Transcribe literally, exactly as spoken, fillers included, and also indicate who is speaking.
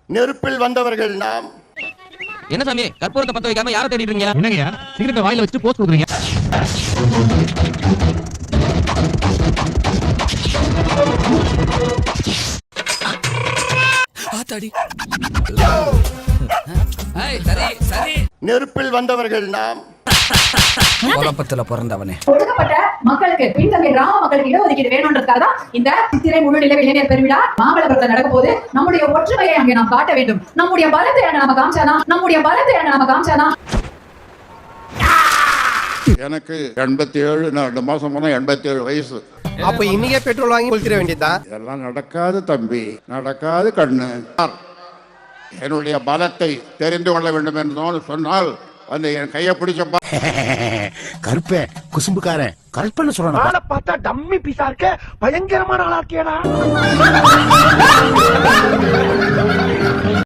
Speaker 1: நெருப்பில் வந்தவர்கள் நாம்.
Speaker 2: என்ன சாமி கற்பூரத்தை பத்த வைக்காம யாரை தேடிட்டு இருக்கீங்க? என்னங்கயா சிகரெட்டை வாயில வச்சு போஸ்ட் கொடுக்குறீங்க? ஆத்தாடி. ஏய் சரி சரி.
Speaker 1: நெருப்பில் வந்தவர்கள் நாம்.
Speaker 2: குழப்பத்துல பிறந்தவனே.
Speaker 3: ஒடுக்கப்பட்ட மக்களுக்கு பின்தங்கிய கிராம மக்களுக்கு இடஒதுக்கீடு வேணும்ன்றதுக்காக தான் இந்த சித்திரை முழு நிலவு இளைஞர் பெருவிழா மாமல்லபுரத்தில் நடக்க போது. நம்முடைய ஒற்றுமையை அங்கே நாம் காட்ட வேண்டும். நம்முடைய பலத்தை அங்க நம்ம காமிச்சாதான் நம்முடைய பலத்தை அங்க நம்ம காமிச்சாதான்
Speaker 4: எனக்கு எண்பத்தி ஏழு ரெண்டு மாசம் போனா எண்பத்தி ஏழு வயசு.
Speaker 5: அப்ப இன்னைக்கே பெட்ரோல் வாங்கி கொளுத்திட வேண்டியதுதான்.
Speaker 4: இதெல்லாம் நடக்காது தம்பி, நடக்காது கண்ணு. என்னுடைய பலத்தை தெரிந்து கொள்ள வேண்டும் என்று சொன்னால் வந்து என் கையை பிடிச்சப்பா.
Speaker 6: கருப்பே குசும்புக்காரன் கல்பனை சொல்றான்.
Speaker 5: பார்த்தா டம்மி பீஸா இருக்க பயங்கரமான ஆளா இருக்கேடா.